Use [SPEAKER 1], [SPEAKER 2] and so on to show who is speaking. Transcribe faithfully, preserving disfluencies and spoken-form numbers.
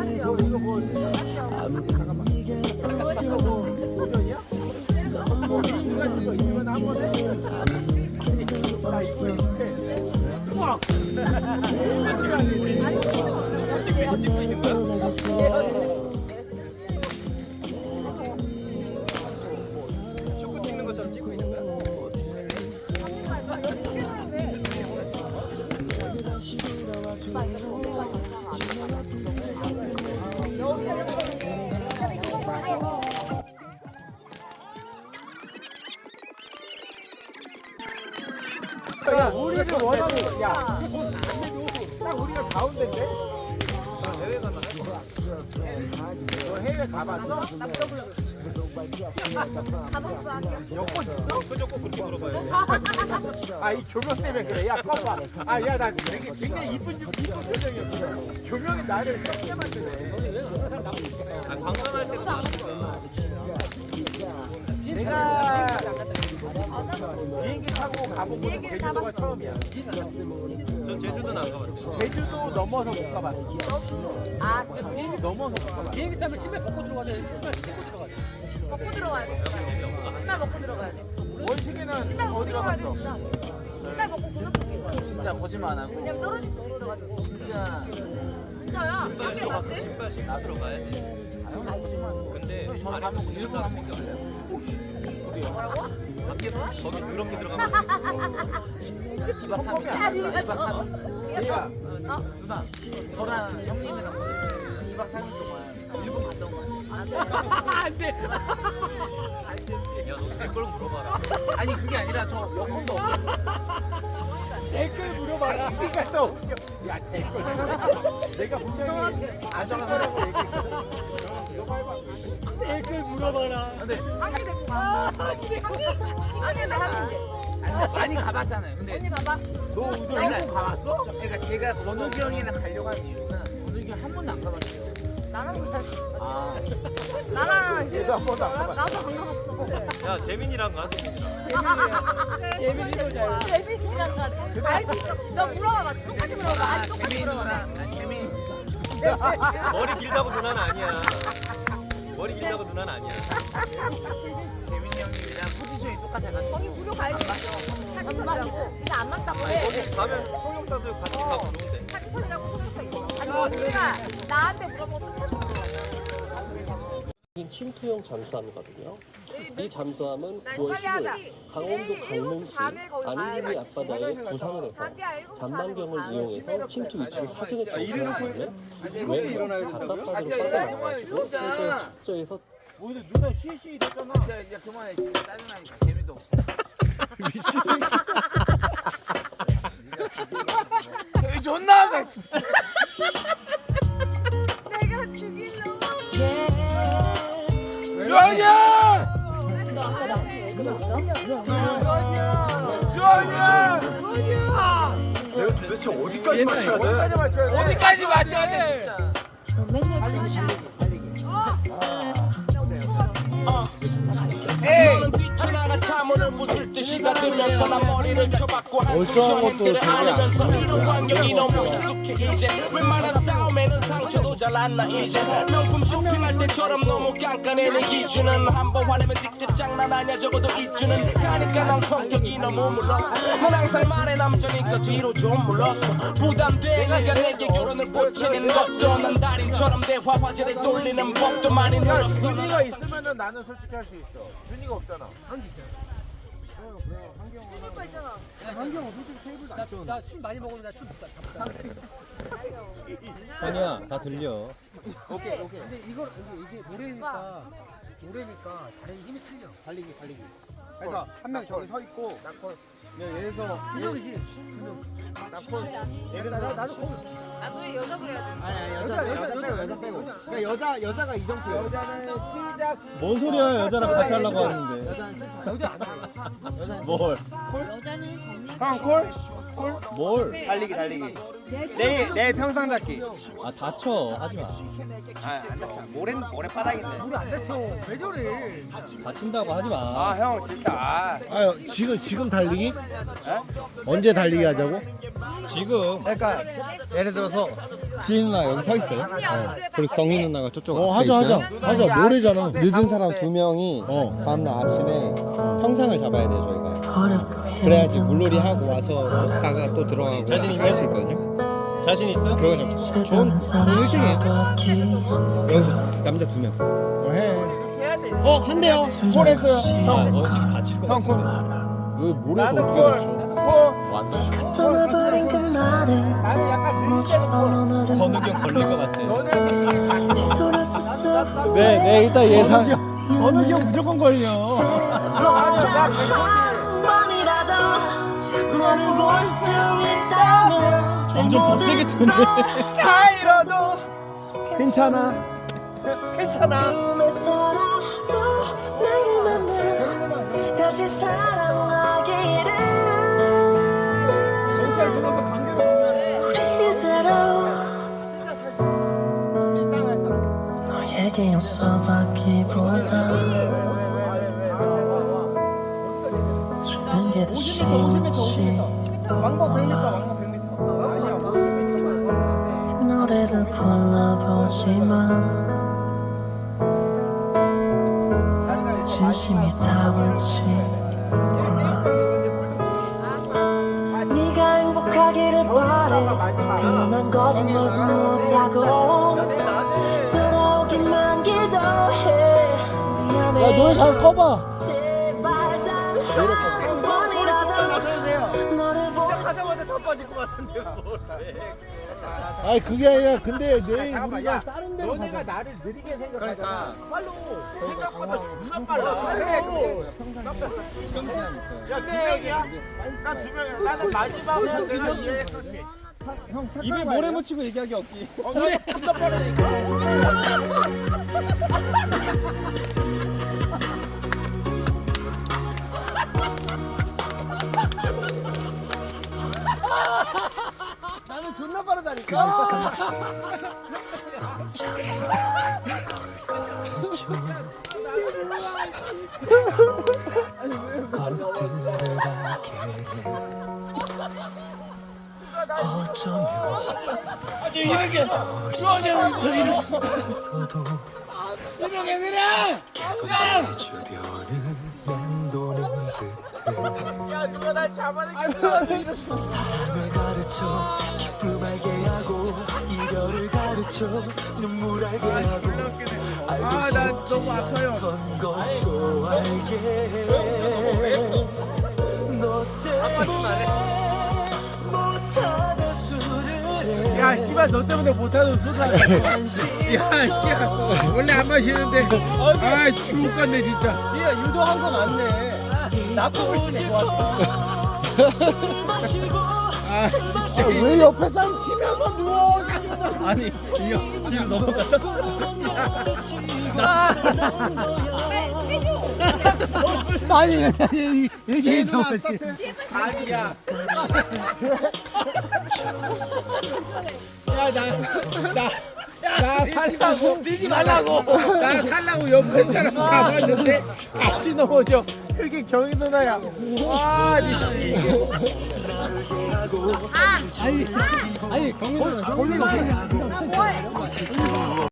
[SPEAKER 1] 이거 이거 뭐 잠깐만. 이거 뭐 도전이야? 뭐 순간 이거 이건 한번 해. 나 이거 이렇게. 우와. 찍어 찍고 찍고 있는 거야? 축구 찍는 것처럼 찍고 있는 거야? 야, 우리를 원하는 거, 야, 딱 우리가 가운데인데? 해외 가면 할 거야. 너 해외 가봤어? 여권 있어? 그저거 그렇게 물어봐요. 아, 이 조명 때문에 그래. 야, 꺼봐. 아, 야, 나 되게 굉장히 이쁜, 이쁜 표정이었어. 조명이 나를 썩게 만드네. 아, 관광할 때도 나왔을 거야. 내가 비행기 타고 가본 거는 제주도가 처음이야. 전 제주도는 안 가봤어요. 제주도 넘어서 못 가봤어.
[SPEAKER 2] 아,
[SPEAKER 1] 비행기 넘어서 못 가봤어.
[SPEAKER 3] 비행기 타면 신발 벗고 들어가야 돼. 신발 신고 들어가야 돼.
[SPEAKER 2] 먹고 들어가야 돼. 신발 먹고 들어가야 돼.
[SPEAKER 1] 원식이는 어디 가봤어?
[SPEAKER 2] 신발 먹고 그nước 끓인 거야.
[SPEAKER 4] 진짜 거짓말 안 하고
[SPEAKER 2] 왜냐면 떨어질 수 있어가지고.
[SPEAKER 4] 진짜
[SPEAKER 2] 진짜야?
[SPEAKER 4] 신발
[SPEAKER 2] 신발
[SPEAKER 4] 신고
[SPEAKER 2] 갔대?
[SPEAKER 4] 신발 신고 들어가야 돼. 아, 형 거짓말.
[SPEAKER 5] 근데
[SPEAKER 4] 형이 저랑 가면 일본 한번 가볼래요? 그래요.
[SPEAKER 2] 뭐라고?
[SPEAKER 5] 밖에서 거기 그렇게 들어가면
[SPEAKER 4] 이박 삼일
[SPEAKER 2] 아니,
[SPEAKER 4] 이박 삼일
[SPEAKER 1] 제이야,
[SPEAKER 4] 누나 저랑 형님이랑 이박 삼일 동안 일본 갔다 온 거 아니야?
[SPEAKER 3] 안 돼.
[SPEAKER 5] 야, 너 댓글 물어봐라.
[SPEAKER 4] 아니 그게 아니라 저 여권도 없어.
[SPEAKER 3] 댓글 물어봐라.
[SPEAKER 1] 그러니까 또 웃겨. 야, 댓글. 내가 분명히 아실 거라고 얘기했거든. 이거 해봐.
[SPEAKER 3] 댓글 물어봐라.
[SPEAKER 4] 근데
[SPEAKER 2] 한개 데리고 가. 아니, 나 한개.
[SPEAKER 4] 아니, 많이 가봤잖아요. 근데
[SPEAKER 2] 언니 봐봐.
[SPEAKER 1] 너 우도
[SPEAKER 4] 그러니까,
[SPEAKER 1] 일본 가봤어?
[SPEAKER 4] 저- 그러니까 제가 권욱이 형이랑 가려고 한 이유는 권욱이 형 한 번도 안 가봤어요.
[SPEAKER 2] 나랑 못 갔어.
[SPEAKER 4] 아
[SPEAKER 2] 나랑 이제
[SPEAKER 1] 얘도 한 번도 안 가봤어.
[SPEAKER 2] 나도 안 가봤어.
[SPEAKER 5] 야, 재민이랑 가. 재민이랑.
[SPEAKER 3] 예민이 보자.
[SPEAKER 2] 재민이랑 가. 알고 있어. 너 물어봐봐. 똑같이 물어봐.
[SPEAKER 4] 아,
[SPEAKER 2] 아니, 똑같이
[SPEAKER 4] 재민이
[SPEAKER 2] 물어봐.
[SPEAKER 4] 누나, 아, 재민이
[SPEAKER 5] 머리 길다고 누나는 아니야. 머리 길다고 누나는 아니야.
[SPEAKER 4] 재민이 형님이랑 포지션이 똑같아가지고
[SPEAKER 2] 거기 무료 가야지. 안 맞고. 이게 안 맞다고 해.
[SPEAKER 5] 거기 가면 통역사도 같이 가고 좋은데.
[SPEAKER 2] 사기선이라고 소속사 있어. 아니, 언니가 나한테 물어보고 똑같이 물어봐.
[SPEAKER 6] 여긴 침투형 잠수함이거든요. 이 잠수함은
[SPEAKER 2] 날
[SPEAKER 6] 구월
[SPEAKER 2] 빨리 하자.
[SPEAKER 6] 십일 강원도
[SPEAKER 2] 내일 일곱 시
[SPEAKER 6] 강릉시
[SPEAKER 2] 반에 거기 가야
[SPEAKER 6] 안개리
[SPEAKER 2] 돼.
[SPEAKER 6] 앞바다에 부상을 해서
[SPEAKER 2] 자기야, 일곱 시 반에
[SPEAKER 6] 잔망경을
[SPEAKER 2] 가야 돼.
[SPEAKER 6] 이용해서 침투 위치를 확인했다고 하는데
[SPEAKER 1] 일곱 시 일어나야
[SPEAKER 6] 왼
[SPEAKER 1] 된다고요?
[SPEAKER 4] 아,
[SPEAKER 6] 바닷바다로
[SPEAKER 4] 진짜
[SPEAKER 6] 빠져나가지고
[SPEAKER 4] 진짜.
[SPEAKER 6] 숙소에서
[SPEAKER 1] 오늘 누나 쉬쉬 됐잖아.
[SPEAKER 4] 진짜 이제 그만해. 진짜 짜증나니까 재미도 없어.
[SPEAKER 1] 미친.
[SPEAKER 4] 저기 존나 하네.
[SPEAKER 2] 내가 죽이려고.
[SPEAKER 4] 주원이야!
[SPEAKER 1] 주원이야! 내가 도대체 어디까지 맞춰야 돼? 어디까지 맞춰야 돼?
[SPEAKER 4] 어디까지 맞춰야 돼 진짜.
[SPEAKER 7] 너는 뛰쳐나가 차문을 부술 듯이 가들면서 난 머리를 쳐박고
[SPEAKER 1] 멀쩡한 것도 되게
[SPEAKER 7] 안으면서
[SPEAKER 1] 안
[SPEAKER 7] 이런 환경이 너무 익숙해 이제 웬만한 싸움에는 상처도 잘 안 나 이제 명품 쇼핑할 때처럼 너무 깐깐해 내 기준은 한번 화내면 띠끗 장난 아니야 적어도 이주는 가니까 난 성격이 너무 물렀어 넌 항상 말해 남자니까 뒤로 좀 물렀어 부담돼 네가 내게 결혼을 보채는 것도 난 달인처럼 대화 화제를 돌리는 법도 많이
[SPEAKER 1] 야,
[SPEAKER 7] 늘었어
[SPEAKER 1] 준이가 있으면은 나는 솔직히 할 수 있어. 준이가 없잖아.
[SPEAKER 2] 친구 있잖아.
[SPEAKER 3] 나술 많이 먹었는데 나술 못 가.
[SPEAKER 6] 아니야 다 들려.
[SPEAKER 3] 오케이 오케이. 근데 이걸 이게 이게 노래니까 노래니까 다른 힘이 틀려.
[SPEAKER 1] 달리기, 달리기. 그래서 한 명 저기 서 있고, 예를 들어서
[SPEAKER 3] 분명이지.
[SPEAKER 1] 예를 들어서
[SPEAKER 3] 나도 거기
[SPEAKER 2] 나도 여자 그래야 돼.
[SPEAKER 1] 아니 아니 여자 여자, 여자 빼고 여자 빼고. 그러니까 여자 여자가 이정표. 여자는 시작.
[SPEAKER 6] 뭔 소리야 여자랑 같이 하려고 하는데.
[SPEAKER 3] 여자 안 돼.
[SPEAKER 6] 뭘?
[SPEAKER 1] 형 콜?
[SPEAKER 6] 뭘?
[SPEAKER 1] 달리기 달리기. 내일 내일 평상 잡기.
[SPEAKER 6] 아 다쳐 하지 마.
[SPEAKER 1] 아안 다쳐. 모래 모래 바닥인데.
[SPEAKER 3] 우리 안 다쳐. 왜 저래?
[SPEAKER 6] 다친다고 하지 마.
[SPEAKER 1] 아 형 진짜. 아.
[SPEAKER 8] 아유 지금 지금 달리기? 달리기? 언제 달리기 하자고?
[SPEAKER 6] 지금
[SPEAKER 1] 그러니까 예를 들어서
[SPEAKER 8] 지인 누나 여기 서 있어요. 어. 그리고 경희 누나가 저쪽
[SPEAKER 1] 어,
[SPEAKER 8] 앞에
[SPEAKER 1] 하자,
[SPEAKER 8] 있어요.
[SPEAKER 1] 하자. 하자. 모레잖아.
[SPEAKER 8] 늦은 사람 두 명이
[SPEAKER 1] 어.
[SPEAKER 8] 다음날 아침에 형상을 잡아야 돼요 저희가. 그래야지 물놀이 하고 와서 먹다가 또 들어가고
[SPEAKER 6] 자신 있냐?
[SPEAKER 8] 할 수 있거든요.
[SPEAKER 6] 자신 있어?
[SPEAKER 8] 그거 좀 좋은 좋은 일 등이에요. 여기서 남자 두 명.
[SPEAKER 1] 어, 해.
[SPEAKER 8] 어 한대요. 콜 했어요.
[SPEAKER 6] 아, 원식이 다칠 것 같은데.
[SPEAKER 8] 여기 모래에서
[SPEAKER 1] 나도
[SPEAKER 8] 어떻게
[SPEAKER 1] 콜.
[SPEAKER 8] 맞춰?
[SPEAKER 1] 콜.
[SPEAKER 8] 왔나?
[SPEAKER 2] 떠나버린 그날에
[SPEAKER 1] 나는 약간 느릴 때는 콜.
[SPEAKER 6] 건욱이 형 걸릴 것 같아.
[SPEAKER 1] 너는
[SPEAKER 2] 돌아섰어
[SPEAKER 8] 네, 네 일단 예상.
[SPEAKER 6] 건욱이 형 무조건 걸려.
[SPEAKER 1] 아니야, 나
[SPEAKER 2] 한 번이라도 너를 볼 수 있다면
[SPEAKER 6] 점점 더 세게 트네.
[SPEAKER 1] 다 잃어도
[SPEAKER 8] 괜찮아.
[SPEAKER 1] 괜찮아.
[SPEAKER 2] 꿈에서라도 나를 만나 다시 사랑하기를
[SPEAKER 1] 경찰 불러서 강제로 정리하래.
[SPEAKER 2] 우리대로
[SPEAKER 1] 땅할 사람.
[SPEAKER 2] 너에게 용서받기보다 주는 게 더
[SPEAKER 1] 오십 미터, 오십 미터, 오십
[SPEAKER 2] 쉬운지
[SPEAKER 1] 미터. 왕복 백 미터, 왕복 백 미터. 아니야, 오십 미터.
[SPEAKER 2] 노래를 불러보지만 진심이 타올지 몰라 네가 행복하기를 바래 그난 거짓말도 못하고 돌아오기만 기도해 미안해
[SPEAKER 8] 야 노래 잘 꺼봐.
[SPEAKER 2] 제발 단한 번이라도 너를 볼
[SPEAKER 5] 하자마자 자빠질 것 같은데요.
[SPEAKER 8] 아니 그게 아니라 근데 내일
[SPEAKER 1] 잠깐만,
[SPEAKER 8] 우리가
[SPEAKER 1] 야,
[SPEAKER 8] 다른 데로
[SPEAKER 1] 너네가
[SPEAKER 8] 가자.
[SPEAKER 1] 나를 느리게 생각하잖아.
[SPEAKER 5] 그러니까.
[SPEAKER 1] 빨로. 생각보다 존나 빨라. 야, 두 명이야? 난 두 명이야. 나는 마지막에 내가 이해했었지.
[SPEAKER 6] 입에 모래 묻히고 얘기하기 없기.
[SPEAKER 1] 어, 너네 존나 빠르니까. 나는 존나 빠르다니까. 아니 이렇게 좋아하냐 저기는. 이렇게 그냥. 야 누가 날 잡아내겠어.
[SPEAKER 2] 사랑을 가르쳐 기쁨 알게 하고 이별을 가르쳐 눈물 알게 하고
[SPEAKER 1] 아, 난 너무 아파요.
[SPEAKER 2] 어떤 것도 알게 너 때문에 못하는 수를
[SPEAKER 1] 야 씨발 너 때문에 못하는 수다. 야, 야 원래 안 마시는데 아 죽겠네 진짜.
[SPEAKER 6] 지혜야 유도한 거 맞네. 낙법을 치네 좋아서.
[SPEAKER 1] 아 진짜.
[SPEAKER 8] 왜 옆에 사람 치면서 누워?
[SPEAKER 6] 아니 이형 지금 넘어갔다. 아니 아니 이렇게
[SPEAKER 1] 누나 스타트. 아니야. 야나나 나 살라고 뛰지 말라고. 나 살라고 옆에 사람 잡았는데 같이 넘어져. 그게 경희 누나야. 와 이게.
[SPEAKER 2] 아!
[SPEAKER 6] 아니 경민아
[SPEAKER 2] 아 뭐해